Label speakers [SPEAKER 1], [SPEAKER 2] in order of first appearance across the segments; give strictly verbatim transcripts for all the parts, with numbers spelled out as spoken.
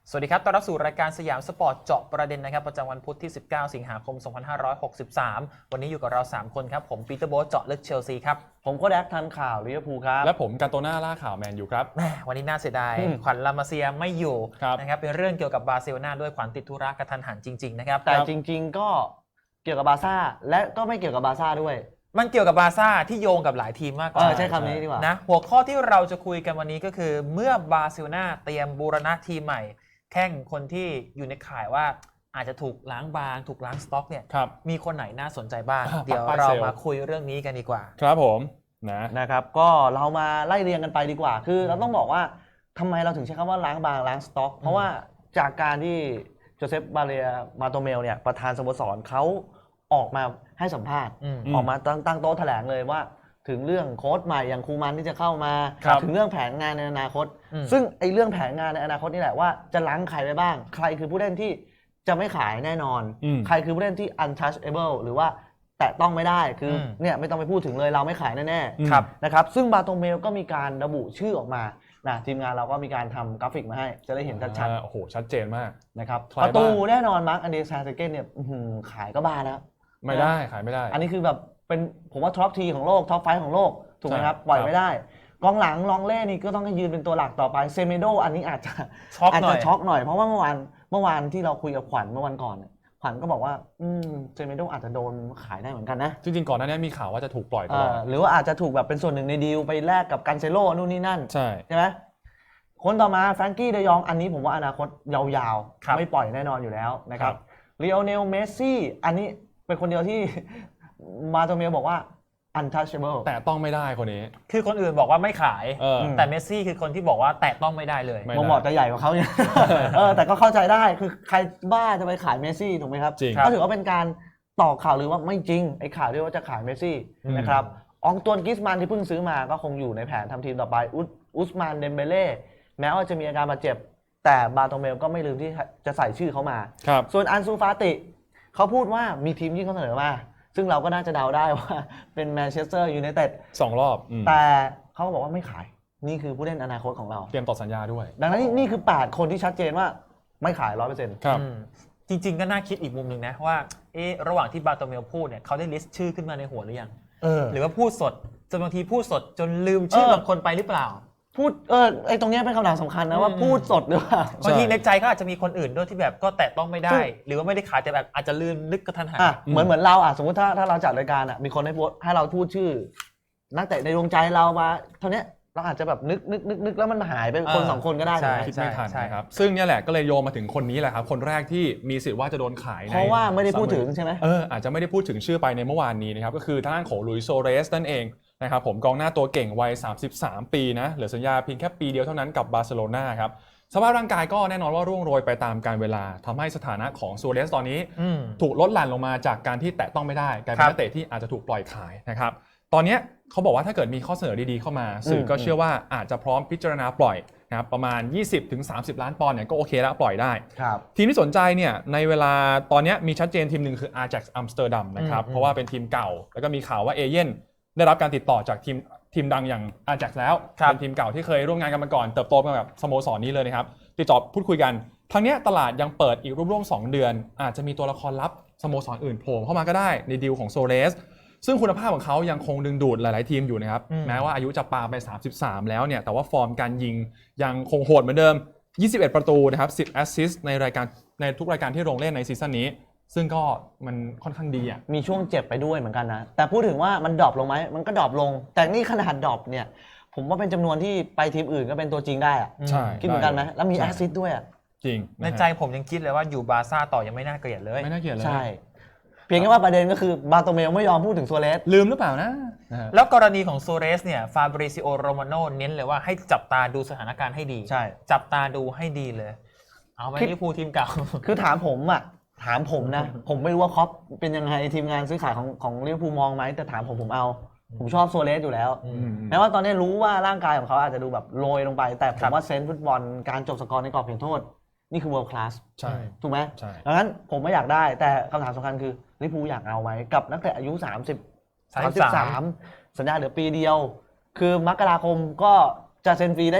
[SPEAKER 1] สวัสดีครับต้อนรับสู่รายการสยามสปอร์ตเจาะประเด็นนะครับประจำวันพุธที่สิบเก้าสิงหาคมสองพันห้าร้อยหกสิบสามวันนี้อยู่กับเราสามคนครับผมปีเตอร์โบ๊ทเจาะลึกเชลซีครับ
[SPEAKER 2] ผมก็แดกทันข่าวลิเวอร์พูลครับ
[SPEAKER 3] และผมกาโตน่าล่าข่าวแมนยูครับ
[SPEAKER 1] แหมวันนี้น่าเสียดายขวัญลามาเซียไม่อยู่นะครับเป็นเรื่องเกี่ยวกับบาร์เซโลนาด้วยขวัญติดธุระกระทันหันจริงๆนะครับ
[SPEAKER 2] แต่จริงๆก็เกี่ยวกับบาร์ซ่าและก็ไม่เกี่ยวกับบาร์ซ่าด้วย
[SPEAKER 1] มันเกี่ยวกับบาร์ซ่าที่โยงกับหลายทีมมากกว่า
[SPEAKER 2] ใช้คำนี้ดีกว่า
[SPEAKER 1] นะหัวข้อที่เราจะคุยกันวันนี้ก็คือเมื่อบาร์เซโลนาเตรียมบูรณะทีมใหม่แข่งคนที่อยู่ในข่ายว่าอาจจะถูกล้างบางถูกล้างสต็อกเนี่ยมีคนไหนน่าสนใจบ้างเดี๋ยวเรามาคุยเรื่องนี้กันดีกว่า
[SPEAKER 3] ครับผมนะ
[SPEAKER 2] นะครับก็เรามาไล่เรียงกันไปดีกว่าคือเราต้องบอกว่าทำไมเราถึงใช้คำว่าล้างบางล้างสต็อกเพราะว่าจากการที่โจเซฟบาเรียมาโตเมลเนี่ยประธานสโมสรเขาออกมาให้สัมภาษณ์ออกมาตั้งตั้งโต๊ะแถลงเลยว่าถึงเรื่องโค้ชใหม่อย่างคูมันที่จะเข้ามาถึงเรื่องแผนงานในอนาคตซึ่งไอ้เรื่องแผนงานในอนาคตนี่แหละว่าจะล้างใครไปบ้างใครคือผู้เล่นที่จะไม่ขายแน่นอนใครคือผู้เล่นที่ untouchable หรือว่าแตะต้องไม่ได้คือเนี่ยไม่ต้องไปพูดถึงเลยเราไม่ขายแน่ๆนะครับซึ่งบาโตเมลก็มีการระบุชื่อออกมานะทีมงานเราก็มีการทำกราฟิกมาให้จะได้เห็นชัด
[SPEAKER 3] ๆโอ้โหชัดเจนมาก
[SPEAKER 2] นะครับประตูแน่นอนมาร์คอันเดซาเซเกนเนี่ยขายก็บ้าแล้ว
[SPEAKER 3] ไม่ได้ขายไม่ได้
[SPEAKER 2] อันนี้คือแบบเป็นผมว่าท็อปทีของโลกท็อปไฟของโลกถูกไหมครับปล่อยไม่ได้กองหลังลองเล่นี่ก็ต้องให้ยืนเป็นตัวหลักต่อไปเซเมโดอันนี้อาจจะ
[SPEAKER 1] ช็อกหน่อย
[SPEAKER 2] ช็อกหน่อยเพราะว่าเมื่อวานเมื่อวานที่เราคุยกับขวัญเมื่อวันก่อนขวัญก็บอกว่าอืมเซเมโดอาจจะโดนขายได้เหมือนกันนะ
[SPEAKER 3] จริงๆก่อนหน้านี้มีข่าวว่าจะถูกปล่อยตลอด
[SPEAKER 2] หรือว่าอาจจะถูกแบบเป็นส่วนหนึ่งในดีลไปแลกกับกันเซโลนู่นนี่นั่น
[SPEAKER 3] ใช่
[SPEAKER 2] ใช่ไหมคนต่อมาแฟรงกี้เดยองอันนี้ผมว่าอนาคตยาวๆไม่ปล่อยแน่นอนอยู่แล้วนะครับลีโอเนลเมสซี่อันนี้เป็นคนเดียวที่มาโตเมลบอกว่า untouchable
[SPEAKER 3] แต่ต้องไม่ได้คนนี้
[SPEAKER 1] คือคนอื่นบอกว่าไม่ขายแต่เมสซี่คือคนที่บอกว่าแตะต้องไม่ได้เลย
[SPEAKER 2] มองบอกจะใหญ่กว่าเขาเนี่ยเออแต่ก็เข้าใจได้คือใครบ้าจะไปขายเมสซี่ถูกไหมครับก็ถือว่าเป็นการต่อข่าวหรือว่าไม่จริงไอ้ข่าวที่ว่าจะขายเมสซี่นะครับอองตวนกิสมันที่เพิ่งซื้อมาก็คงอยู่ในแผนทำทีมต่อไปอุสมานเดมเบเล่แม้ว่าจะมีอาการบาดเจ็บแต่บาโตเมลก็ไม่ลืมที่จะใส่ชื่อเขามาส่วนอันซูฟาติเขาพูดว่ามีทีมยื่นข้อเสนอมาซึ่งเราก็น่าจะเดาได้ว่าเป็นแมนเชสเตอร์ยูไนเต็ด
[SPEAKER 3] สองรอบ
[SPEAKER 2] แต่เขาบอกว่าไม่ขายนี่คือผู้เล่นอนาคตของเรา
[SPEAKER 3] เตรียมต่อสัญญาด้วย
[SPEAKER 2] ดังนั้นนี่คือแปดคนที่ชัดเจนว่าไม่ขาย ร้อยเปอร์เซ็นต์
[SPEAKER 3] ครับ
[SPEAKER 1] จริงๆก็น่าคิดอีกมุมหนึ่งนะว่าเออระหว่างที่บาโตเมลพูดเนี่ยเขาได้ลิสต์ชื่อขึ้นมาในหัวหรือยังหรือว่าพูดสดจนบางทีพูดสดจนลืมชื่อบางคนไปหรือเปล่า
[SPEAKER 2] พูดเออไอ้ตรงนี้เป็นคำถามสำคัญนะว่าพูดสดหรือเปล่า
[SPEAKER 1] บางทีในใจก็อาจจะมีคนอื่นด้วยที่แบบก็แตะต้องไม่ได้หรือว่าไม่ได้ขายแต่แบบอาจจะลืมนึกกระทันหัน
[SPEAKER 2] เหมือนเหมือนเราอ่ะสมมติถ้าถ้าเราจัดรายการอ่ะมีคนให้พูดให้เราพูดชื่อนักเตะในดวงใจเรามาเท่านี้เราอาจจะแบบนึกนึกนึกนึกแล้วมันหายไปคนสองคนก็ได้
[SPEAKER 3] คิดไม่ทันนะครับซึ่งนี่แหละก็เลยโยงมาถึงคนนี้แหละครับคนแรกที่มีสิทธิ์ว่าจะโดนขาย
[SPEAKER 2] เพราะว่าไม่ได้พูดถึงใช่ไหม
[SPEAKER 3] เอออาจจะไม่ได้พูดถึงชื่อไปในเมื่อวานนี้นะครับก็คือทางด้านของลุยส์โซเรสนั่นเองนะครับผมกองหน้าตัวเก่งวัยสามสิบสามปีนะเหลือสัญญาเพียงแค่ปีเดียวเท่านั้นกับบาร์เซโลนาครับสภาพร่างกายก็แน่นอนว่าร่วงโรยไปตามกาลเวลาทำให้สถานะของซูเรสตอนนี้ถูกลดหลั่นลงมาจากการที่แตะต้องไม่ได้กลายเป็นนักเตะที่อาจจะถูกปล่อยขายนะครับตอนนี้เขาบอกว่าถ้าเกิดมีข้อเสนอดีๆเข้ามาสื่อก็เชื่อว่าอาจจะพร้อมพิจารณาปล่อยนะครับประมาณ ยี่สิบถึงสามสิบ ล้านปอนด์เนี่ยก็โอเคแล้วปล่อยได้ทีมที่สนใจเนี่ยในเวลาตอนนี้มีชัดเจนทีมหนึ่งคือ Ajax Amsterdam นะครับเพราะว่าเป็นทีมเก่าแล้วก็มีข่าวว่าเอเย่นได้รับการติดต่อจากทีมทีมดังอย่าง Ajax แล้วเป็นทีมเก่าที่เคยร่วมงานกันมาก่อนเติบโตมาแบบสโมสรนี้เลยนะครับติดต่อพูดคุยกันทั้งนี้ตลาดยังเปิดอีกร่วมๆสองเดือนอาจจะมีตัวละครลับสโมสรอื่นโผล่เข้ามาก็ได้ในดีลของโซเลสซึ่งคุณภาพของเขายังคงดึงดูดหลายๆทีมอยู่นะครับแม้ว่าอายุจะปาไปสามสิบสามแล้วเนี่ยแต่ว่าฟอร์มการยิงยังคงโหดเหมือนเดิมยี่สิบเอ็ดประตูนะครับสิบแอสซิสต์ในรายการในทุกรายการที่ลงเล่นในซีซั่นนี้ซึ่งก็มันค่อนข้างดีอ่ะ
[SPEAKER 2] มีช่วงเจ็บไปด้วยเหมือนกันนะแต่พูดถึงว่ามันดรอปลงไหมมันก็ดรอปลงแต่นี่ขนาดดรอปเนี่ยผมว่าเป็นจำนวนที่ไปทีมอื่นก็เป็นตัวจริงได้อ่ะ
[SPEAKER 3] ใช่
[SPEAKER 2] คิดเหมือนกันไหมแล้วมีแอสซิสต์ด้วยอ่ะ
[SPEAKER 3] จริง
[SPEAKER 1] ในใจผมยังคิดเลยว่าอยู่บาร์ซ่าต่อยังไม่น่าเกลียดเลย
[SPEAKER 3] ไม่น่าเกลียดเลย
[SPEAKER 2] ใช่เพียงแค่ว่าประเด็นก็คือบาโตเมลไม่ยอมพูดถึงโซเลส
[SPEAKER 3] ลืมหรือเปล่านะ
[SPEAKER 1] แล้วกรณีของโซเรสเนี่ยฟาบริซิโอโรมาโนเน้นเลยว่าให้จับตาดูสถานการณ์ให้ดี
[SPEAKER 2] ใช่
[SPEAKER 1] จับตาดูให้ดีเลยเอาไว้ลิเวอร์พูลทีมเก่า
[SPEAKER 2] คือถามผมอ่ะถามผมนะผมไม่รู้ว่าคอปเป็นยังไงทีมงานซื้อขายของของลิเวอร์พูลมองไหมแต่ถามผมผมเอาผมชอบโซเลสอยู่แล้วแม้ว่าตอนนี้รู้ว่าร่างกายของเขาอาจจะดูแบบโรยลงไปแต่ผมว่าเซนส์ฟุตบอลการจบสกอร์ในกรอบเขตโทษนี่คือ world class
[SPEAKER 3] ใช่
[SPEAKER 2] ถูกไหม
[SPEAKER 3] ใช่
[SPEAKER 2] ดังนั้นผมไม่อยากได้แต่คำถามสำคัญคือลิเวอร์พูลอยากเอาไว้กับนักเตะอายุสามสิบ สามสิบสามสัญญาเหลือปีเดียวคือมกราคมก็จะเซ็นฟรีได้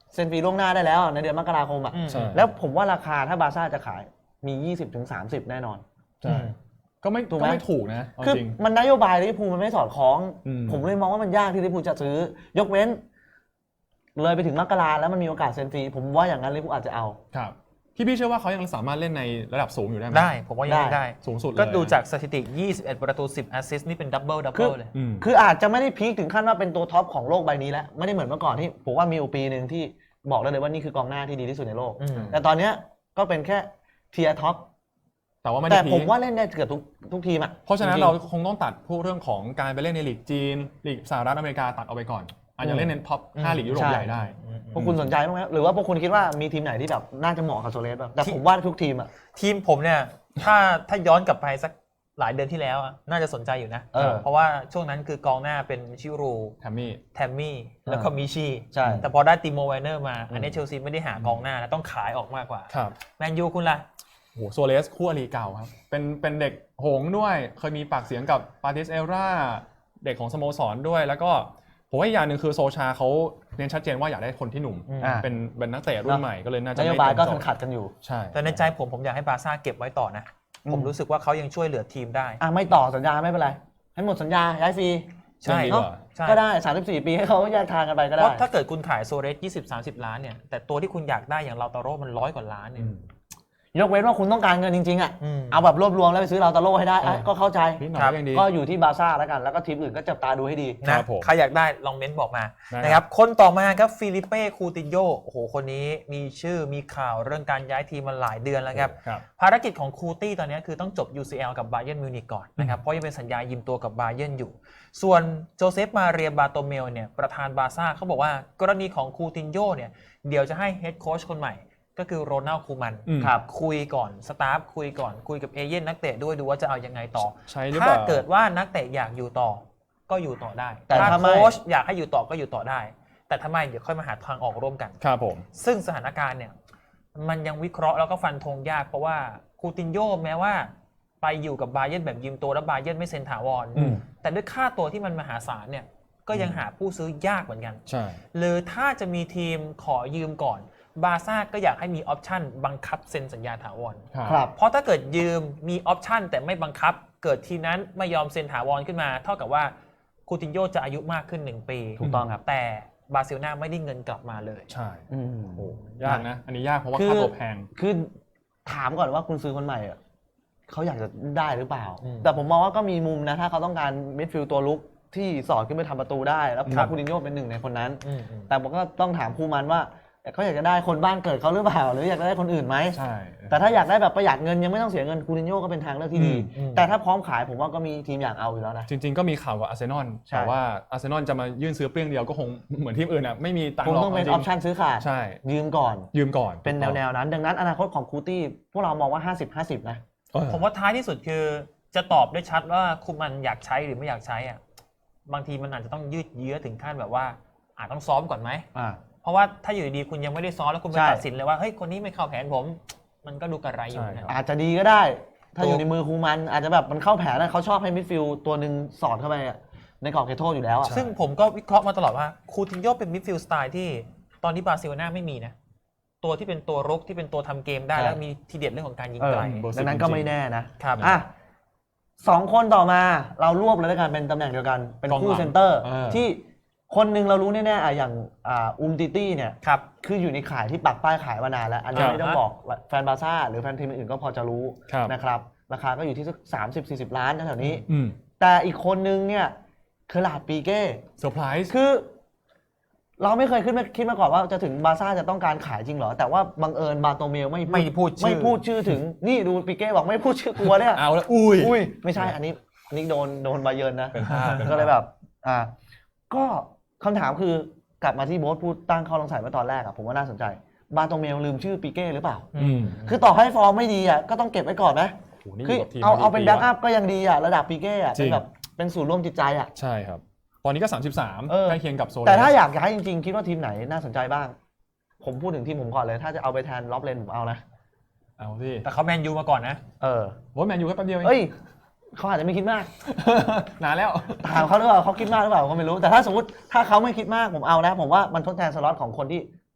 [SPEAKER 2] เซ็นฟรีล่วงหน้าได้แล้วในเดือนมกราคมอ่ะ
[SPEAKER 1] อืม
[SPEAKER 3] ใช่
[SPEAKER 2] แล้วผมว่าราคาถ้าบาร์ซ่าจะขายมี ยี่สิบถึงสามสิบ แน่นอน
[SPEAKER 3] ใช่ก็ไม่
[SPEAKER 2] ถูกไหม
[SPEAKER 3] ก็ไม่ถูกนะเอา
[SPEAKER 2] คือ
[SPEAKER 3] จริง
[SPEAKER 2] มันนโยบายลิเวอร์พูลมันไม่สอดคล้อง
[SPEAKER 3] อืม
[SPEAKER 2] ผมเลยมองว่ามันยากที่ลิเวอร์พูลจะซื้อ ยกเว้น เลยไปถึงมกราแล้วมันมีโอกาสเซ็นฟรีผมว่าอย่างนั้นลิเวอร์พูลอาจจะเอา
[SPEAKER 3] ครับพี่พี่เชื่อว่าเขายังสามารถเล่นในระดับสูงอยู่ได้ไหม
[SPEAKER 1] ได้ผมว่ายัง
[SPEAKER 2] ได้
[SPEAKER 1] ได้
[SPEAKER 3] สูงสุดเลย
[SPEAKER 1] ก็ดูจากสถิติ ยี่สิบเอ็ด ประตู สิบ แอสซิสต์นี่เป็นดับเบิลดับ
[SPEAKER 2] คื
[SPEAKER 1] เบิ
[SPEAKER 2] อ
[SPEAKER 1] ลเลย
[SPEAKER 3] อืม
[SPEAKER 2] คืออาจจะไม่ได้พีคถึงขั้นว่าเป็นตัวท็อปของโลกใบนี้แล้วไม่ได้เหมือนเมื่อก่อนที่ผมว่ามีอยู่ปีหนึ่งที่บอกได้เลยว่านี่คือกองหน้าที่ดีที่สุดในโลก
[SPEAKER 1] อืม
[SPEAKER 2] แต่ตอนเนี้ยก็เป็นแค่เทียร์ท็อป
[SPEAKER 3] แต่ว่าไม่
[SPEAKER 2] แต่
[SPEAKER 3] ได้พี
[SPEAKER 2] ผม
[SPEAKER 3] ค
[SPEAKER 2] ว่าเล่นได้เกือบทุกทุกทีมอ่ะ
[SPEAKER 3] เพราะฉะนั้น
[SPEAKER 2] จงๆ
[SPEAKER 3] เราคงต้องตัดพวกเรื่องของการไปเล่นในลีกจีนลีกสหรัฐอเมริกาตัดออกไปก่อนอาจจะเล่นในท็อปห้าลีกยุโรป
[SPEAKER 2] ใช่
[SPEAKER 3] ใหญ่ได้
[SPEAKER 2] พวกคุณสนใจบ้างไหมหรือว่าพวกคุณคิดว่ามีทีมไหนที่แบบน่าจะเหมาะกับโซเลสบ้างแต่ผมว่าทุกทีมอ่ะ
[SPEAKER 1] ทีมผมเนี่ยถ้าถ้าย้อนกลับไปสักหลายเดือนที่แล้วอะน่าจะสนใจอยู่นะ
[SPEAKER 2] เออ
[SPEAKER 1] เพราะว่าช่วงนั้นคือกองหน้าเป็นชิรู
[SPEAKER 3] แทมมี่
[SPEAKER 1] แทมมี่แล้วก็มิชี
[SPEAKER 2] ใช่
[SPEAKER 1] แต่พอได้ติโมไวเนอร์มา อันนี้เชลซีไม่ได้หากองหน้านะต้องขายออกมากกว่า
[SPEAKER 3] ครับ
[SPEAKER 1] แมนยูคุณล่ะ
[SPEAKER 3] โอ้โหโซเลสคู่อริเก่าครับเป็นเป็นเด็กหงส์ด้วย เคยมีปากเสียงกับปาติสเอราเด็กของสโมสรด้วย แล้วก็ผมว่าอีกอย่างหนึ่งคือโซชาเขาเน้นชัดเจนว่าอยากได้คนที่หนุ่ม
[SPEAKER 1] อืม
[SPEAKER 2] อ่า
[SPEAKER 3] เป็นเป็นนักเตะรุ่นใหม่ก็เลยน่าจะ
[SPEAKER 2] นโย
[SPEAKER 3] ไม่
[SPEAKER 2] บายก็
[SPEAKER 3] ตรงโจ
[SPEAKER 2] ขั
[SPEAKER 3] ท
[SPEAKER 2] ด
[SPEAKER 3] ย์
[SPEAKER 2] ๆกันอยู่
[SPEAKER 3] ใช่
[SPEAKER 1] แต่ในใจผมผมอยากให้บาร์ซ่าเก็บไว้ต่อนะ
[SPEAKER 2] อืม
[SPEAKER 1] ผมรู้สึกว่าเขายังช่วยเหลือทีมได้
[SPEAKER 2] อ่ะไม่ต่อสัญญาไม่เป็นไร ให้หมดสัญญาย้ายฟรี
[SPEAKER 1] ใช่
[SPEAKER 3] ดีก
[SPEAKER 2] เนาะ
[SPEAKER 3] ว่า
[SPEAKER 1] ใช่
[SPEAKER 2] ก็ได้สามสิบสี่ปีให้เขาแยกทางกันไปก็
[SPEAKER 1] เพ
[SPEAKER 2] ได้
[SPEAKER 1] ราะถ้าเกิดคุณขายโซเรสยี่สิบ สามสิบ ล้านเนี่ยแต่ตัวที่คุณอยากได้อย่างเราตาโร่มันร้อยกว่าล้านเนี่ย
[SPEAKER 3] อืม
[SPEAKER 2] ยกเว้นว่าคุณต้องการเงินจริงๆอ่ะ
[SPEAKER 1] อืม
[SPEAKER 2] เอาแบบรวบรวมแล้วไปซื้อเราตาโร่ให้ได้อ่ะ
[SPEAKER 3] เออ
[SPEAKER 2] ก็เข้าใจ
[SPEAKER 3] นิดหน่อย
[SPEAKER 1] ครับ
[SPEAKER 3] ก็ยังดี
[SPEAKER 2] ก็อยู่ที่บาร์ซ่าแล้วกันแล้วก็ทีมอื่นก็จับตาดูให้ดี
[SPEAKER 3] ครั
[SPEAKER 1] นะ
[SPEAKER 3] บผม
[SPEAKER 1] ใครอยากได้ลองเม้นต์บอกมา
[SPEAKER 3] ได้
[SPEAKER 1] นะครับคนต่อมาครับฟิลิเป้คูตินโยโอ้โหคนนี้มีชื่อมีข่าวเรื่องการย้ายทีมมาหลายเดือนแล้วครับ
[SPEAKER 3] ครับ
[SPEAKER 1] ภารกิจของคูตี้ตอนนี้คือต้องจบ ยู ซี แอล กับบาเยิร์นมิวนิกก่อนนะครับเพราะยังเป็นสัญญายืมตัวกับบาเยิร์นอยู่ ส่วนโจเซฟมาเรียบาโตเมลเนี่ยประธานบาร์ซ่าเขาบอกว่ากรณีของคูตินโยเนี่ยเดี๋ยวจะให้เฮดโค้ชคนใหม่ก็คือโรนัลด์คูมัน
[SPEAKER 3] อืม
[SPEAKER 2] ครับ
[SPEAKER 1] คุยก่อนสตาฟคุยก่อนคุยกับเอเย่นนักเตะด้วยดูว่าจะเอายังไงต่อ
[SPEAKER 3] ใช่หรือเป
[SPEAKER 1] ถ้า
[SPEAKER 3] ล่า
[SPEAKER 1] เกิดว่านักเตะอยากอยู่ต่อก็อยู่ต่อได้
[SPEAKER 2] แต่ถ้าไม่
[SPEAKER 1] โค้ชอยากให้อยู่ต่อก็อยู่ต่อได้ แต่ถ้าไม่เดี๋ยวค่อยมาหาทางออกร่วมกัน
[SPEAKER 3] ครับผม
[SPEAKER 1] ซึ่งสถานการณ์เนี่ยมันยังวิเคราะห์แล้วก็ฟันธงยากเพราะว่าคูตินโยแม้ว่าไปอยู่กับบาเยิร์นแบบยืมตัวแล้วบาเยิร์นไม่เซ็นถาวร
[SPEAKER 3] อืม
[SPEAKER 1] แต่ด้วยค่าตัวที่มันมหาศาลเนี่ยก็ยังหาผู้ซื้อยากเหมือนกัน
[SPEAKER 3] ใช่
[SPEAKER 1] หรือถ้าจะมีทีมขอยืมก่อนบาร์ซ่าก็อยากให้มีออปชั่นบังคับเซ็นสัญญาถาวร
[SPEAKER 2] ครับ
[SPEAKER 1] เพราะถ้าเกิดยืมมีออปชันแต่ไม่บังคับ เกิดทีมนั้นไม่ยอมเซ็นถาวรขึ้นมา เท่ากับว่าคูตินโยจะอายุมากขึ้นหนึ่งปี
[SPEAKER 2] ถูกต้องครับ
[SPEAKER 1] แต่บาร์เซโลนาไม่ได้เงินกลับมาเลย
[SPEAKER 3] ใช่
[SPEAKER 2] อืม
[SPEAKER 3] โอ้ยากนะ อันนี้ยากเพราะว่า
[SPEAKER 2] คือ
[SPEAKER 3] ค่าตัวแพง
[SPEAKER 2] คือถามก่อนว่าคุณซื้อคนใหม่อ่ะเขาอยากจะได้หรือเปล่า
[SPEAKER 1] อืม
[SPEAKER 2] แต่ผมมองว่าก็มีมุมนะ ถ้าเขาต้องการมิดฟิลด์ตัวลุกที่สอดขึ้นไปทำประตูได้ แล้วผม
[SPEAKER 1] ครั
[SPEAKER 2] ว่า
[SPEAKER 1] บ
[SPEAKER 2] คูตินโญ่เป็นหนึ่งในคนนั้น
[SPEAKER 1] อืมอืม
[SPEAKER 2] แต่ผมก็ต้องถามคูมันว่าเขาอยากจะได้คนบ้านเกิดเขาหรือเปล่า หรืออยากจะได้คนอื่นไหม
[SPEAKER 3] ใช่
[SPEAKER 2] แต่ถ้าอยากได้แบบประหยัดเงินยังไม่ต้องเสียเงินคูตินโญ่ก็เป็นทางเลือกที่ดี
[SPEAKER 1] อืม
[SPEAKER 2] แต่ถ้าพร้อมขายผมว่าก็มีทีมอยากเอาอยู่แล้วนะ
[SPEAKER 3] จริง ๆ ก็มีข่าวกับอาร์เซนอล
[SPEAKER 2] ใช่
[SPEAKER 3] แต่ว่าอาร์เซนอลจะมายื่นซื้อเปรี้ยงเดียวก็คงเหมือนทีมอื่นอ่ะไม่มีตัง
[SPEAKER 2] ค
[SPEAKER 3] ค์
[SPEAKER 2] ง
[SPEAKER 3] หรอก
[SPEAKER 2] ต้องเป็นอ
[SPEAKER 3] จริ
[SPEAKER 2] อปชั่นซื้อขาด
[SPEAKER 3] ใช่
[SPEAKER 2] ยืมก่อน
[SPEAKER 3] ยืมก่อน
[SPEAKER 2] เป็นแนวๆนั้น ดังนั้นอนาคตของคูตี้พวกเรามองว่า ห้าสิบ ห้าสิบ นะ
[SPEAKER 3] เออ
[SPEAKER 1] ผมว่าท้ายที่สุดคือจะตอบได้ชัดว่าคุมันอยากใช้หรือไม่อยากใช้อ่ะบางทีมันอาจจะต้องยืดเยื้อถึงขั้นแบบว่าอาจต้องซ้อมก่อนไหม
[SPEAKER 2] อ่า
[SPEAKER 1] เพราะว่าถ้าอยู่ดีๆคุณยังไม่ได้ซ้อมแล้วคุณไป
[SPEAKER 2] ใช่
[SPEAKER 1] ตัดสินเลยว่าเฮ้ยคนนี้ไม่เข้าแผนผม มันก็ดูกระไรอยู่นะ
[SPEAKER 2] อาจจะดีก็ได้ ถ้า
[SPEAKER 1] ถูก
[SPEAKER 2] อยู่ในมือคูมันอาจจะแบบมันเข้าแผนนะเขาชอบให้มิดฟิลด์ตัวหนึ่งสอดเข้าไปอะในกรอบเขตโทษอยู่แล้วอะ
[SPEAKER 1] ซึ่งผมก็วิเคราะห์มาตลอดว่าคูตินโญ่เป็นมิดฟิลด์สไตล์ที่ตอนนี้บาร์เซโลนาไม่มีนะ ตัวที่เป็นตัวรุกที่เป็นตัวทำเกมได้แล้วมีทีเด็ดเรื่องของการยิง
[SPEAKER 2] เออ
[SPEAKER 1] ไกล
[SPEAKER 3] เบอร์สิบ
[SPEAKER 2] ดังนั้นก็ไม่แน่นะครับ อ่ะสองคนต่อมาเรารวบเลยแล้วกันเป็นตำแหน่งเดียวกัน เป็น
[SPEAKER 3] กองหลัง
[SPEAKER 2] คู่เซนเตอร์
[SPEAKER 3] เออ
[SPEAKER 2] ที่คนหนึ่งเรารู้แน่ๆอ่ะอย่างอ่าอุมติตี้เนี่ย
[SPEAKER 1] ครับ
[SPEAKER 2] คืออยู่ในขายที่ปักป้ายขายมานานแล้ว อันนี้
[SPEAKER 3] ครับ
[SPEAKER 2] ไม่ต้องบอกแฟนบาร์ซ่าหรือแฟนทีมอื่นก็พอจะรู้
[SPEAKER 3] ครับ
[SPEAKER 2] นะครับราคาก็อยู่ที่สักสามสิบสี่สิบล้านแถวๆนี้
[SPEAKER 3] อืม
[SPEAKER 2] แต่อีกคนนึงเนี่ยเคอร์ลาดปีเก้
[SPEAKER 3] เซอร์ไพรส์
[SPEAKER 2] คือ เราไม่เคยขึ้นมาคิดมาก่อนว่าจะถึงบาร์ซ่าจะต้องการขายจริงเหรอ แต่ว่าบังเอิญบาโตเมลไม่
[SPEAKER 1] ไม่พูดชื่อ
[SPEAKER 2] ไม่พูดชื่อถึงนี่ดูปีเก้บอกไม่พูดชื่อกลัวเนี่ย
[SPEAKER 3] เอาแล้วอุ้ย
[SPEAKER 2] อุ้ยไม่ใช่อันนี้อันนี้โดนโดนบาเยิร์นนะ
[SPEAKER 3] เป็นภาพเป็นภาพ
[SPEAKER 2] ก็เลยแบบอ่าก็คำถามคือกลับมาที่โบ๊ทพูดตั้งข้อสงสัยเมื่อตอนแรกอะผมว่าน่าสนใจบาโตเมลลืมชื่อปีเก้หรือเปล่า
[SPEAKER 3] อืม
[SPEAKER 2] คือต่อให้ฟอร์มไม่ดีอะก็ต้องเก็บไว้ก่อนนะ
[SPEAKER 3] โหนี่
[SPEAKER 2] คือ
[SPEAKER 3] กับทีม
[SPEAKER 2] เอา
[SPEAKER 3] มา
[SPEAKER 2] เอาเป็น
[SPEAKER 3] ปี
[SPEAKER 2] แบ็กอั
[SPEAKER 3] ละ
[SPEAKER 2] พก็ยังดีอะระดับปีเก้อะ
[SPEAKER 3] จริ
[SPEAKER 2] เป็น
[SPEAKER 3] ง
[SPEAKER 2] แบบเป็นศูนย์ร่วมจิตใจอะ
[SPEAKER 3] ใช่ครับ ตอนนี้ก็สามสิบสาม
[SPEAKER 2] เออ
[SPEAKER 3] ใกล้เคียงกับโซเลส
[SPEAKER 2] แต่ถ้าอยากย้ายจริงๆ คิดว่าทีมไหนน่าสนใจบ้าง ผมพูดถึงทีมผมก่อนเลย ถ้าจะเอาไปแทนล็อบเลนผมเอานะ
[SPEAKER 3] เอาสิ
[SPEAKER 1] แต่เขาแมนยูมาก่อนนะ
[SPEAKER 2] เออ
[SPEAKER 3] โอ้ยแมนยูแค่แป๊บเดียวเอง
[SPEAKER 2] เอ้ยเขาอาจจะไม่คิดมาก
[SPEAKER 3] นานแล้ว
[SPEAKER 2] ถามเขาหรือเปล่าเขาคิดมากหรือเปล่าก็ไม่รู้ แต่ถ้าสมมติถ้าเขาไม่คิดมากผมเอานะ ผมว่ามันทดแทนสล็อตของคนที่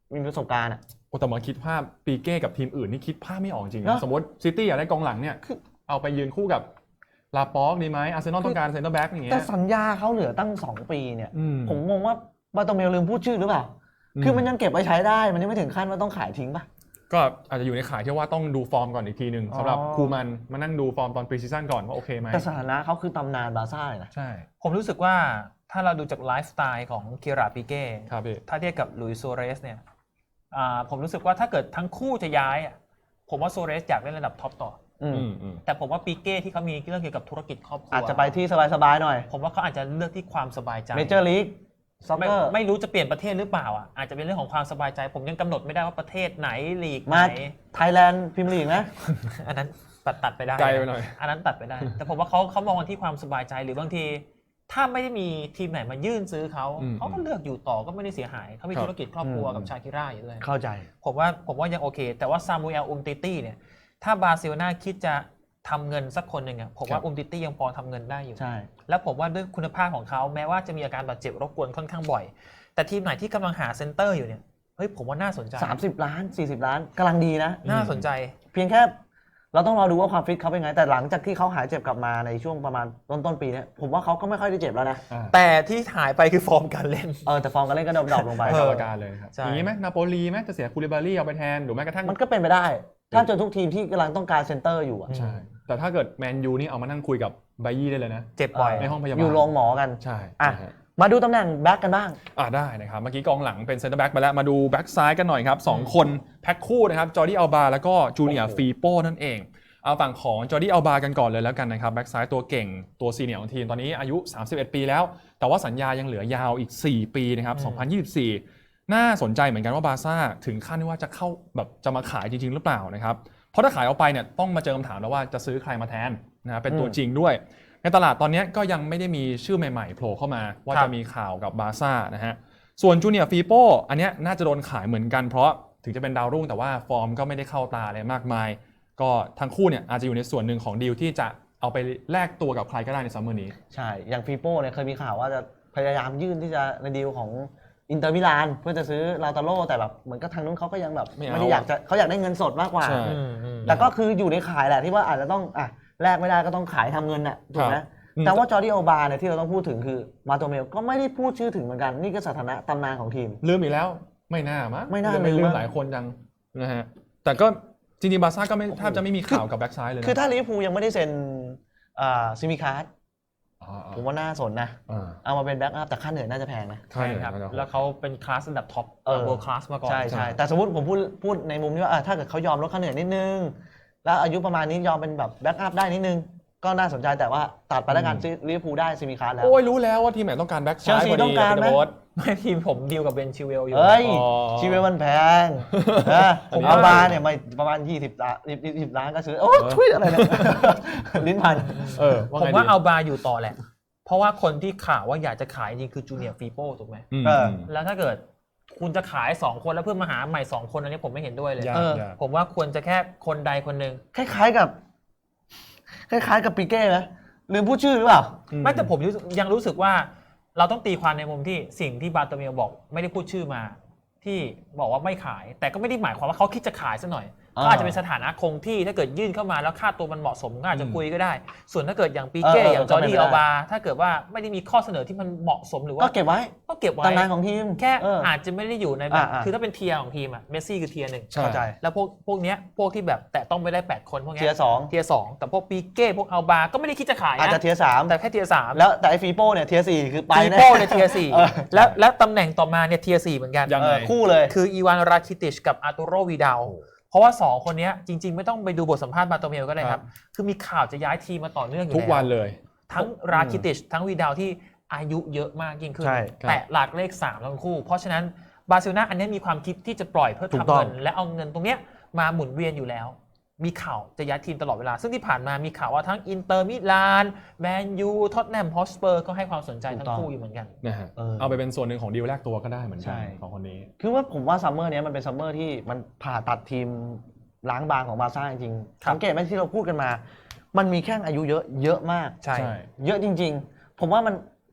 [SPEAKER 2] มีประสบการณ์อ่ะ
[SPEAKER 3] โอ้แต่มาคิดภาพปีเก้กับทีมอื่นนี่คิดภาพไม่ออกจริง
[SPEAKER 2] เนอะ
[SPEAKER 3] นะสมมติซิตี้อยากได้กองหลังเนี่ยเอาไปยืนคู่กับลาป็อกดีไหมอาร์เซนอลต้องการเซนเตอร์แบ็กอย่างเงี้
[SPEAKER 2] แต่
[SPEAKER 3] ย
[SPEAKER 2] สัญญาเขาเหลือตั้งสองปีเนี่ย
[SPEAKER 3] อืม
[SPEAKER 2] ผมงงว่าบาโตเมลลืมพูดชื่อหรือเปล่า
[SPEAKER 3] อืม
[SPEAKER 2] คือมันยังเก็บไว้ใช้ได้มันยังไม่ถึงขั้นว่าต้องขายทิ้งป่ะ
[SPEAKER 3] ก็อาจจะอยู่ในข่ายที่ว่าต้องดูฟอร์มก่อนอีกทีหนึ่ง
[SPEAKER 2] อ๋อ
[SPEAKER 3] สำหรับคูมันมานั่งดูฟอร์มตอนพรีซีซั่นก่อนว่าโอเคไหม
[SPEAKER 2] แต่สถานะเขาคือตำนานบาร์ซ่าเลยนะ
[SPEAKER 3] ใช่
[SPEAKER 1] ผมรู้สึกว่าถ้าเราดูจากไลฟ์สไตล์ของเคียร่าปิเก้
[SPEAKER 3] ครับพี่
[SPEAKER 1] ถ้าเทียบกับหลุยส์โซเรสเนี่ยอ่าผมรู้สึกว่าถ้าเกิดทั้งคู่จะย้ายอ่ะผมว่าโซเรสอยากเล่นระดับท็อปต่อ
[SPEAKER 2] อืม
[SPEAKER 3] อืมอืม
[SPEAKER 1] แต่ผมว่าปิเก้ที่เขามีเรื่องเกี่ยวกับธุรกิจครอบครัว
[SPEAKER 2] อาจจะไปที่สบายๆหน่อย
[SPEAKER 1] ผมว่าเขาอาจจะเลือกที่ความสบายใจ
[SPEAKER 2] เมเจอร์ลีกซ็อก
[SPEAKER 1] ไม่
[SPEAKER 2] เกอร์
[SPEAKER 1] ไม่รู้จะเปลี่ยนประเทศหรือเปล่าอ่ะอาจจะเป็นเรื่องของความสบายใจ ผมยังกำหนดไม่ได้ว่าประเทศไหนลีกไห
[SPEAKER 2] มาน ไทยแลนด์พรีเมียร์ลีกนะ
[SPEAKER 1] อันนั้นตัดตัดไปได้
[SPEAKER 3] ไกลไปหน่อย
[SPEAKER 1] อันนั้นตัดไปได้ แต่ผมว่าเขาเขามองกันที่ความสบายใจหรือบางที ถ้าไม่ได้มีทีมไหนมายื่นซื้อเขา
[SPEAKER 3] อืม
[SPEAKER 1] เขาก็เลือกอยู่ต่อก็ไม่ได้เสียหายเขามี
[SPEAKER 3] ครับ
[SPEAKER 1] ธุรกิจครอบครัว
[SPEAKER 2] อืม
[SPEAKER 1] กับชาคิร่าอยู่ด้วย
[SPEAKER 2] เข้าใจ
[SPEAKER 1] ผมว่าผมว่ายังโอเค แต่ว่าซามูเอลอุมติตี้เนี่ยถ้าบาร์เซโลนาคิดจะทำเงินสักคนหนึ่งอะผมว่าอุมติตี้ยังพอทำเงินได้อยู่
[SPEAKER 2] ใช่
[SPEAKER 1] แล้วผมว่าด้วยคุณภาพของเขาแม้ว่าจะมีอาการบาดเจ็บรบกวนค่อนข้างบ่อย แต่ทีมไหนที่กำลังหาเซนเตอร์อยู่เนี่ยเฮ้ยผมว่าน่าสนใจ
[SPEAKER 2] สามสิบล้านสี่สิบล้านกำลังดีนะ
[SPEAKER 1] น่าสนใจ
[SPEAKER 2] เพียงแค่เราต้องรอดูว่าความฟิตเขาเป็นไง แต่หลังจากที่เขาหายเจ็บกลับมาในช่วงประมาณต้นต้นๆปีเนี้ยผมว่าเขาก็ไม่ค่อยได้เจ็บแล้วนะ
[SPEAKER 3] อ่า
[SPEAKER 1] แต่ที่หายไปคือฟอร์มการเล่น
[SPEAKER 2] เออแต่ฟอร์มการเล่นก็ดรอปๆลงไป
[SPEAKER 3] ไปกรรมการเลยครับ
[SPEAKER 1] ใช่
[SPEAKER 3] อย่างนี้ไหมนาโปลีไหมจะเสียคูลิบารี่เอาไปแทนหรือแม้กระทั่ง
[SPEAKER 2] มันก็เป็นไปได้ ถ้าเจอทุกทีมที่กำลังต้องการเซนเตอร์อยู่อะ
[SPEAKER 3] ใช่ แต่ถ้าเกิดแมนยูนี่เอามานั่งคุยกับไบยี่ได้เลยนะ
[SPEAKER 1] เจ็บบ่อย
[SPEAKER 3] ในห้องพยาบาล
[SPEAKER 2] อยู่โรงหมอกัน
[SPEAKER 3] ใช่
[SPEAKER 2] อ่ะ
[SPEAKER 3] นะฮะ
[SPEAKER 2] มาดูตำแหน่งแบ็กกันบ้าง
[SPEAKER 3] อ่าได้นะครับ เมื่อกี้กองหลังเป็นเซนเตอร์แบ็กไปแล้ว มาดูแบ็กซ้ายกันหน่อยครับสองคนแพ็คคู่นะครับ จอร์ดี้อัลบาแล้วก็จูเนียร์ฟีโป้นั่นเอง เอาฝั่งของจอร์ดี้อัลบากันก่อนเลยแล้วกันนะครับ แบ็กซ้ายตัวเก่งตัวซีเนียร์ของทีม ตอนนี้อายุ สามสิบเอ็ด ปีแล้ว แต่ว่าสัญญายังเหลือยาวอีก สี่ ปีนะครับ สองพันยี่สิบสี่ น่าสนใจเหมือนกันว่าบาร์ซ่าถึงขั้นที่ว่าจะเข้าแบบจะมาขายจริงๆหรือเปล่านะครับ เพราะถ้าขายออกไปเนี่ยต้องมาเจอคำถามแล้วว่าจะซื้อใครมาแทนนะเป็นตัวจริงด้วย ในตลาดตอนนี้ก็ยังไม่ได้มีชื่อใหม่ๆโผล่เข้ามาว่า
[SPEAKER 1] ครับ
[SPEAKER 3] จะมีข่าวกับบาร์ซ่านะฮะส่วนจูเนียร์ฟีโป้อันเนี้ยน่าจะโดนขายเหมือนกันเพราะถึงจะเป็นดาวรุ่งแต่ว่าฟอร์มก็ไม่ได้เข้าตาอะไรมากมาย ก็ทั้งคู่เนี่ยอาจจะอยู่ในส่วนหนึ่งของดีลที่จะเอาไปแลกตัวกับใครก็ได้ในซัมเมอร์นี้
[SPEAKER 2] ใช่ อย่างฟีโป้เนี่ยเคยมีข่าวว่าจะพยายามยื่นที่จะในดีลของอินเตอร์มิลานเพื่อจะซื้อลาตาโร่แต่แบบเหมือนกับทางนู้นเขาก็ยังแบบ
[SPEAKER 3] ไม่เอา
[SPEAKER 2] ไม่ได้อยากจะเขาอยากได้เงินสดมากกว่า
[SPEAKER 3] ใช่
[SPEAKER 1] อืมอืม
[SPEAKER 2] แต่ก็คืออยู่ในขายแหละที่ว่าอาจจะต้องอ่ะแลกไม่ได้ก็ต้องขายทำเงินน่ะถูกไหม
[SPEAKER 3] ครับอืม
[SPEAKER 2] แต่ว่าจอร์ดี้อัลบาเนี่ยที่เราต้องพูดถึงคือมาโตเมลก็ไม่ได้พูดชื่อถึงเหมือนกันนี่ก็สถานะตำนานของทีม
[SPEAKER 3] ลืมอีกแล้วไม่น่ามั้ง
[SPEAKER 2] ไม่น่า
[SPEAKER 3] ไม่
[SPEAKER 2] ลื
[SPEAKER 3] ลื
[SPEAKER 2] ม
[SPEAKER 3] ม
[SPEAKER 2] มั้ง
[SPEAKER 3] หลายคนจังนะฮะแต่ก็จริงๆบาร์ซ่าก็ไม่แทบจะไม่มีข่าวกับแบ็กซ้ายเลยนะ
[SPEAKER 2] คือถ้าลิเวอร์พูลยังไม่ได้เซ็นอ่าซิมิคาร์ด
[SPEAKER 3] อ่าๆ
[SPEAKER 2] ผมว่าน่าสนนะ
[SPEAKER 3] อ่า
[SPEAKER 2] เอามาเป็นแบ็กอัพแต่ค่าเหนื่อยน่าจะแพงนะ
[SPEAKER 1] ใช่ครับ แล้วเขาเป็นคลาสระดับท็อป
[SPEAKER 2] เออ
[SPEAKER 1] เวิลด์คลาสมาก่อน
[SPEAKER 2] ใช่ใช่แต่สมมติผมพูดพูดในมุมที่ว่าอ่ะถ้าเกิดเขายอมลดค่าเหนื่อยนิดนึง แล้วอายุประมาณนี้ยอมเป็นแบบแบ็กอัพได้นิดนึง ก็น่าสนใจแต่ว่าตัดไปแล้วกันซิลิเวอร์พูลได้ซิมิคาร์ดแล้ว
[SPEAKER 3] โอ้ยรู้แล้วว่าทีมไหนต้องการแบ็กซ้าย
[SPEAKER 2] เชลซี
[SPEAKER 3] พอ
[SPEAKER 2] ต้
[SPEAKER 3] ดี
[SPEAKER 2] องการไหม
[SPEAKER 3] โบ๊ท
[SPEAKER 1] ไม่ทีมผมดีลกับเบนชิเวลอยู่
[SPEAKER 2] เฮ้ย
[SPEAKER 3] อ๋อ
[SPEAKER 2] ชีวิตมันแพงนะผมเอามาเนี่ยไม่ประมาณยี่สิบล้านยี่สิบล้านก็ซื้อโอ้ยทุยอะไรเนี่ยลิ้นพัน
[SPEAKER 3] เออ
[SPEAKER 1] ผม
[SPEAKER 3] ไง
[SPEAKER 1] ว่า
[SPEAKER 3] ดี
[SPEAKER 1] เอาบาอยู่ต่อแหละ เพราะว่าคนที่ข่าวว่าอยากจะขายจริงคือจูเนียร์ฟีโป้ถูกไหม
[SPEAKER 3] อืม
[SPEAKER 2] เออ
[SPEAKER 1] แล้วถ้าเกิดคุณจะขายสองคนแล้วเพื่อมาหาใหม่สองคนอันนี้ผมไม่เห็นด้วยเลย
[SPEAKER 3] ยาก
[SPEAKER 2] เออ
[SPEAKER 3] ยาก
[SPEAKER 1] ผมว่าควรจะแค่คนใดคนหนึ่ง
[SPEAKER 2] คล้ายๆกับ คล้ายๆกับปีเก้ไหมลืมพูดชื่อหรือเปล่า
[SPEAKER 1] ไม่แต่ผมรู้สึกยังรู้สึกว่าเราต้องตีความในมุมที่สิ่งที่บาโตเมลบอกไม่ได้พูดชื่อมา ที่บอกว่าไม่ขาย แต่ก็ไม่ได้หมายความว่าเขาคิดจะขายซะหน่อย
[SPEAKER 2] อ่า
[SPEAKER 1] ก็อาจจะเป็นสถานะคงที่ถ้าเกิดยื่นเข้ามาแล้วค่าตัวมันเหมาะสมก็อาจจะคุยก็ได้ ส่วนถ้าเกิดอย่างปีเก้
[SPEAKER 2] เออเออ
[SPEAKER 1] อย่างจอร์ดี้
[SPEAKER 2] ก็เป็นไปได้
[SPEAKER 1] อัลบาถ้าเกิดว่าไม่ได้มีข้อเสนอที่มันเหมาะสมหรือ
[SPEAKER 2] ก็
[SPEAKER 1] ว่า
[SPEAKER 2] เก็บไว้
[SPEAKER 1] ก็เก็บไว้
[SPEAKER 2] ตำนานของทีม
[SPEAKER 1] แค่
[SPEAKER 2] เอออ
[SPEAKER 1] อาจจะไม่ได้อยู่ในแบบ
[SPEAKER 2] อ่าๆ
[SPEAKER 1] คือถ้าเป็นเทียร์ของทีมอะเมสซี่คือเทียร์หนึ่ง
[SPEAKER 3] ใช่
[SPEAKER 2] เข้าใจ
[SPEAKER 1] แล้วพวกพวกเนี้ยพวกที่แบบแต่ต้องไม่ได้แปดคนพวกเนี้
[SPEAKER 2] เทียร์สอง
[SPEAKER 1] เทียร์สองแต่พวกปีเก้พวกอัลบาก็ไม่ได้คิดจะขาย
[SPEAKER 2] อาจจะ
[SPEAKER 1] นะ
[SPEAKER 2] เทียร์สาม
[SPEAKER 1] แต่แค่เทียร์สาม
[SPEAKER 2] แล้วแต่ไอ้ฟีโป้เนี่ยเทียร์สี่คือไป
[SPEAKER 1] ปี
[SPEAKER 2] นะ
[SPEAKER 1] โป้ในเทียร์สี่
[SPEAKER 2] เออ
[SPEAKER 1] แล้วแล้วตำแหน่งต่อมาเนี่ยเทียร์สี่เหมือนกัน
[SPEAKER 3] ยังไง
[SPEAKER 2] เออคู่เลย
[SPEAKER 1] คืออีวานราคิติชกับอาร์ตูโรวีดาลเพราะว่าสองคนเนี้ยจริง ๆ ไม่ต้องไปดูบทสัมภาษณ์บาโตเมลก็ได้ครับคือมีข่าวจะย้ายทีมมาต่อเนื่องอยู่
[SPEAKER 3] ทุกวันเลย
[SPEAKER 1] ทั้งราคิติชทั้งวีดาลที่อายุเยอะมากยิ่งขึ้น
[SPEAKER 2] ใช่
[SPEAKER 1] แต่หลักเลขสามทั้งคู่ เพราะฉะนั้นบาร์เซโลนาอันนี้มีความคิดที่จะปล่อยเพื่อ
[SPEAKER 2] ถูก
[SPEAKER 1] ทำ
[SPEAKER 2] ต้อง
[SPEAKER 1] เงินและเอาเงินตรงเนี้ยมาหมุนเวียนอยู่แล้ว มีข่าวจะย้ายทีมตลอดเวลา ซึ่งที่ผ่านมามีข่าวว่าทั้งอินเตอร์มิลานแมนยูท็อตแนมฮอสเปอร์ก็ให้ความสนใจทั้งคู่อยู่เหมือนกัน
[SPEAKER 3] นะฮะ
[SPEAKER 2] เออ
[SPEAKER 3] เอาไปเป็นส่วนหนึ่งของดีลแรกตัวก็ได้เหมือนกั
[SPEAKER 2] ใช่
[SPEAKER 3] นของคนนี้
[SPEAKER 2] คือว่าผมว่าซัมเมอร์เนี้ยมันเป็นซัมเมอร์ที่มันผ่าตัดทีมล้างบางของบาร์ซ่าจริงๆ
[SPEAKER 1] ครับ
[SPEAKER 2] สังเกตไหมที่เราพูดกันมา มันมีแข้งอายุเยอะเยอะมาก
[SPEAKER 1] ใช่
[SPEAKER 3] ใช่
[SPEAKER 2] เยอะจริง ๆ ผมว่ามัน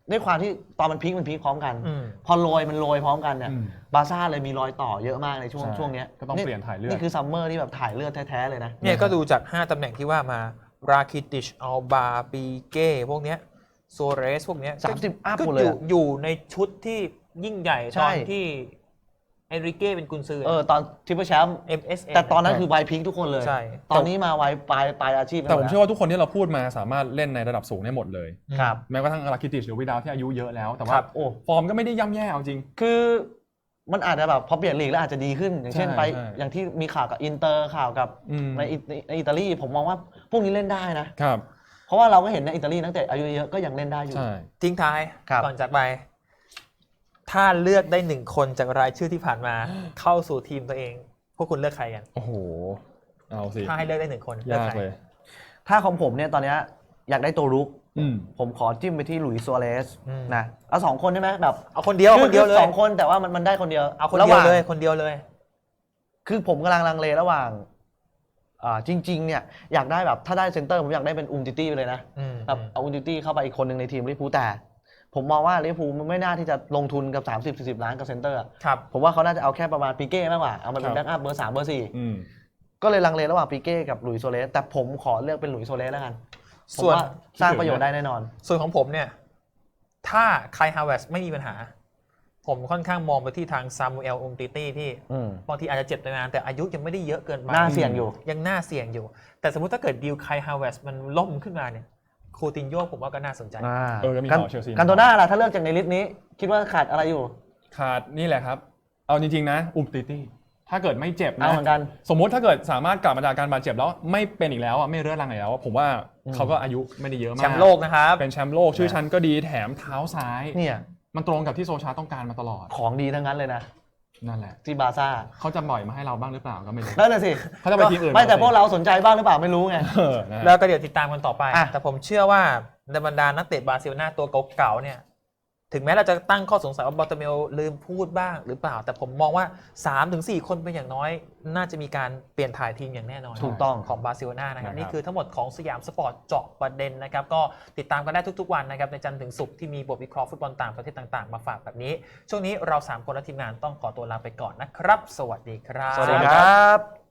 [SPEAKER 2] ด้วยความที่ตอนมันพีคมันพีคพร้อมกัน
[SPEAKER 1] อืม
[SPEAKER 2] พอโรยมันโรยพร้อมกันเนี่ย
[SPEAKER 3] อืม
[SPEAKER 2] บาร์ซ่าเลยมีรอยต่อเยอะมากในช่วง
[SPEAKER 3] ใช่
[SPEAKER 2] ช่วงเนี้ย
[SPEAKER 3] ก็ต้องเปลี่ยนถ่ายเลือด
[SPEAKER 2] นี่คือซัมเมอร์ที่แบบถ่ายเลือดแท้ๆเลยนะ
[SPEAKER 1] เนี่ยก็ดูจาก ห้า ตำแหน่งที่ว่ามาราคิติชอัลบาปีเก้พวกเนี้ยโซเรสพวกเนี้ย
[SPEAKER 2] สามสิบอัพ
[SPEAKER 1] ก็
[SPEAKER 2] หมด
[SPEAKER 1] อ
[SPEAKER 2] เลย
[SPEAKER 1] ยู่
[SPEAKER 2] อะ
[SPEAKER 1] อยู่ในชุดที่ยิ่งใหญ่
[SPEAKER 2] ใช่
[SPEAKER 1] ตอนที่เอนริเก้เป็นกุนซือ
[SPEAKER 2] เออตอนทริปเปิลแชมป์
[SPEAKER 1] เอ็ม เอส เอ
[SPEAKER 2] แต่ตอนนั้นคือไวพีคทุกคนเลย
[SPEAKER 1] ใช่
[SPEAKER 2] ตอนนี้มาไวปลายปลายอาชีพ
[SPEAKER 3] แต่ผมเชื่อว่าทุกคนที่เราพูดมาสามารถเล่นในระดับสูงได้หมดเลย
[SPEAKER 2] ครับ
[SPEAKER 3] แม้กระทั่งอาราคิติชหรือวิดาวที่อายุเยอะแล้วแต่
[SPEAKER 1] ค
[SPEAKER 3] ว่า
[SPEAKER 1] รับ
[SPEAKER 2] โอ้
[SPEAKER 3] ฟอร์มก็ไม่ได้ย่ำแย่เอาจริง
[SPEAKER 2] คือมันอาจจะแบบพอเปลี่ยนลีกแล้วอาจจะดีขึ้น อย่างเช่น
[SPEAKER 3] ใช่
[SPEAKER 2] ไป
[SPEAKER 3] ใช่
[SPEAKER 2] อย่างที่มีข่าวกับอินเตอร์ข่าวกับ
[SPEAKER 3] อืม
[SPEAKER 2] ในอิในในอิตาลีผมมองว่าพวกนี้เล่นได้นะ
[SPEAKER 3] ครับ
[SPEAKER 2] เพราะว่าเราก็เห็นในอิตาลีตั้งแต่อายุเยอะก็ยังเล่นได้อยู่
[SPEAKER 3] ใช่
[SPEAKER 1] ทิ้งท้าย
[SPEAKER 2] ครับ
[SPEAKER 1] ก่อนจากไป ถ้าเลือกได้หนึ่งคนจากรายชื่อที่ผ่านมา เข้าสู่ทีมตัวเอง พวกคุณเลือกใครกัน
[SPEAKER 3] โอ้โหเอาสิ
[SPEAKER 1] ถ้าให้เลือกได้หนึ่งคนเลื
[SPEAKER 3] ยาก
[SPEAKER 1] ใคร
[SPEAKER 3] เลย
[SPEAKER 2] ถ้าของผมเนี่ยตอนเนี้ยอยากได้ตัวรุก
[SPEAKER 3] อืม
[SPEAKER 2] ผมขอจิ้มไปที่หลุยส์ซัวเรส
[SPEAKER 1] อืม
[SPEAKER 2] นะเอาสองคนได้ไหมแบบ
[SPEAKER 1] เอาคนเดียวคนเดียวเลย
[SPEAKER 2] สองคนแต่ว่ามันมันได้คนเดียว
[SPEAKER 1] เอาคน
[SPEAKER 2] ระห
[SPEAKER 1] เดียว
[SPEAKER 2] ว่าง
[SPEAKER 1] เลยคนเดียวเลย
[SPEAKER 2] คือผมกำลังลังเลระหว่างอ่าจริงๆเนี่ยอยากได้แบบถ้าได้เซนเตอร์ผมอยากได้เป็นอุมติตี้ไปเลยนะ
[SPEAKER 1] อืม
[SPEAKER 2] แบบเอาอุมติตี้เข้าไปอีกคนหนึ่งในทีมลิเวอร์พูลแต่ ผมมองว่าลิเวอร์พูลมันไม่น่าที่จะลงทุนกับ สามสิบถึงสี่สิบ ล้านกับเซนเตอร์อะ
[SPEAKER 1] ครับ
[SPEAKER 2] ผมว่าเขาน่าจะเอาแค่ประมาณปีเก้มากกว่าเอามาเป็น
[SPEAKER 3] ครับ
[SPEAKER 2] แบ็กอัพเบอร์สามเบอร์สี่
[SPEAKER 3] อืม
[SPEAKER 2] ก็เลยลังเลระหว่างปีเก้กับหลุยส์โซเลสแต่ผมขอเลือกเป็นหลุยส์โซเลสแล้วกันผม
[SPEAKER 1] ส่วน
[SPEAKER 2] ว่าสร้างประโยชน์ได้แน่นอน
[SPEAKER 1] ส่วนของผมเนี่ย ถ้าไคลฮาวเวสไม่มีปัญหา ผมค่อนข้างมองไปที่ทางซามูเอลอุมติตี้ที่
[SPEAKER 2] อืม
[SPEAKER 1] บางทีอาจจะเจ็บนานแต่อายุยังไม่ได้เยอะเกินไป
[SPEAKER 2] น่าเสี่ยงอยู่
[SPEAKER 1] ยังน่าเสี่ยงอยู่ แต่สมมุติถ้าเกิดดีลไคลฮาวเวสมันล่มขึ้นมาเนี่ยคูตินโญ่ผมว่าก็น่าสนใจ
[SPEAKER 2] อ่า
[SPEAKER 3] เออก็มี
[SPEAKER 2] กัน
[SPEAKER 3] ข่าวเชลซี
[SPEAKER 2] กันโตน่าล่ะถ้าเลือกจากในลิสต์นี้ คิดว่าขาดอะไรอยู่
[SPEAKER 3] ขาดนี่แหละครับ เอาจริงๆนะอุมติตี้ถ้าเกิดไม่เจ็บ
[SPEAKER 2] เอา
[SPEAKER 3] นะ
[SPEAKER 2] เหมือนกัน
[SPEAKER 3] สมมุติถ้าเกิดสามารถกลับมาจากการบาดเจ็บแล้วไม่เป็นอีกแล้วอะไม่เรื้อรังอีกแล้วอะผมว่า
[SPEAKER 2] อืม
[SPEAKER 3] เขาก็อายุไม่ได้เยอะมาก
[SPEAKER 1] แชมป์โลกนะครับ
[SPEAKER 3] เป็นแชมป์โลกชื่อชั้นก็ดีแถมเท้าซ้าย
[SPEAKER 2] เนี่ย
[SPEAKER 3] มันตรงกับที่โซชาต้องการมาตลอด
[SPEAKER 2] ของดีทั้งนั้นเลยนะ
[SPEAKER 3] นั่นแหละ
[SPEAKER 2] ที่บาร์ซ่า
[SPEAKER 3] เขาจะปล่อยมาให้เราบ้างหรือเปล่าก็ไม่รู้
[SPEAKER 2] นั่นน่ะสิ
[SPEAKER 3] เขาจะไปทีมอื่น
[SPEAKER 2] ไม่แต่
[SPEAKER 3] สิ
[SPEAKER 2] พวกเราสนใจบ้างหรือเปล่าไม่รู้ไง
[SPEAKER 3] เออนะฮะ
[SPEAKER 1] แล้วก็เดี๋ยวติดตามกันต่อไป
[SPEAKER 2] อ่ะ
[SPEAKER 1] แต่ผมเชื่อว่าในบรรดานักเตะบาร์เซโลนาตัวเก่าๆเนี่ย ถึงแม้เราจะตั้งข้อสงสัยว่าบอลเตเมลลืมพูดบ้างหรือเปล่า แต่ผมมองว่า สามถึงสี่ คนเป็นอย่างน้อย น่าจะมีการเปลี่ยนถ่ายทีมอย่างแน่นอน
[SPEAKER 2] ถูกต้อง
[SPEAKER 1] ของบาร์เซโลนานะครับ
[SPEAKER 3] นะครับ
[SPEAKER 1] นี่คือทั้งหมดของสยามสปอร์ตเจาะประเด็นนะครับ ก็ติดตามกันได้ทุกๆวันนะครับในจันทร์ถึงศุกร์ที่มีบทวิเคราะห์ฟุตบอลต่างประเทศต่างๆ มาฝากแบบนี้ ช่วงนี้เราสามคนและทีมงานต้องขอตัวลาไปก่อนนะครับ สวัสดีครับ
[SPEAKER 2] สวัสดีครับ